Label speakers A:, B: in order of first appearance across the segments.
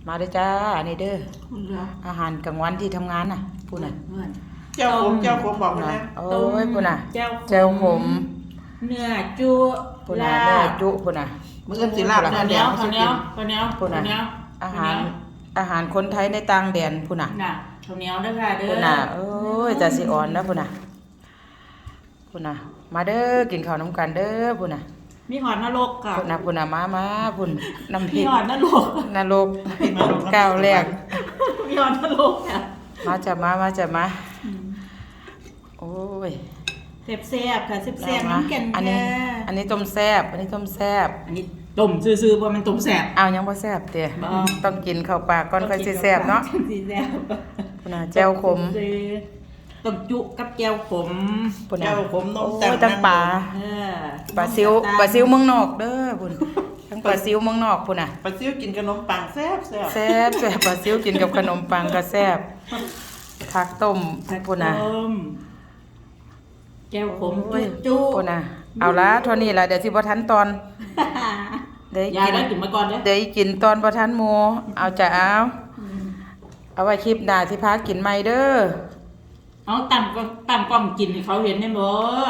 A: มาเด้อจ้าอันนี้เด้ออาหารกลางวันที่ทำงานน่ะพูดน่ะ
B: เจ้าผมบอกมา
A: นะ
B: แล้ว
A: โอ้ยพูดน่ะ
C: เจ้า
A: เจ้าผม
C: เนื้อจุ
A: พูดน่ะเนื้อจุพูดน่ะ
B: มื้ออื่นสิลาบ
C: ข้าวเหนียวข้าวเหนียวข้าวเหนียว
A: พูดน่ะ
C: ข้าวเหนียว
A: อาหารคนไทยในต่างแดนพูดน่ะ
C: น่ะข้าวเหนียวเด้อค่ะเด้อ
A: พูดน่ะโอ้ยจะสิอ่อนนะพูดน่ะพูดน่ะมาเด้อกินข้าวน้ำกันเด้อพูดน่ะ
C: มีหอดนรกค่ะ
A: พูดน่ะพูดน่ะมาพูดน้ำพ
C: มี
A: ริก
C: หอดนรก
A: นรกก้าวแรก
C: มีหอดนรกค่ะ
A: มาจะมาโอ้ย
C: แซ่บๆค่ะแซ่บๆน้ำแก่น
A: อัน
C: แค่
A: นี้อันนี้ต้มแซ่บอันนี้ต้มแซ่บ
C: อันนี้ต้มซื่อๆเพราะมันต้มแซ่บ
A: เอายังบ่แซ่บเด้
C: บ่
A: ต้องกินเข้าปากก่อนค่อยสิแซ่บเนาะ
C: สิแซ่บ
A: พุ่นน่ะแจ่วขม
C: ต้มจุกับแก้วขม
A: พุ่นน่ะ
B: เจ้าผมน
A: โอ้
B: ม
A: ยตั้งปลา
C: เออ
A: ปลาซิวเมืองนอกเด้อพุ่นทั้งปลาซิวเมืองนอกพุ่นน่ะ
B: ปลาซิวกินขนมปังแซ่บ
A: แซ่บปลาซิวกินกับขนมปังก็แซ่บผักต้มพุ่นน่ะ
C: ต้มแก้วขม
A: โอ้ย
C: จุ
A: พุ่นน่ะเอาละเท่านี้ล่ะเดี๋ยวสิบ่ทันตอนเดี๋ยว
C: ยาย
A: กิน
C: ได้กินมาก่อนเด้อ
A: เดี๋ยวกินตอนบ่ทันหมู่เอาจ้ะเอาไว้คลิปหน้าสิพากินใหม่เด้อ
C: เอาตั้งกล้องกินให้เขาเห็นได้บ่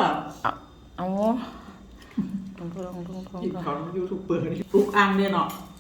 A: เอา
B: กินของยูทูบเบอร์นี่
C: ปลุกอ่างเด้อเนาะ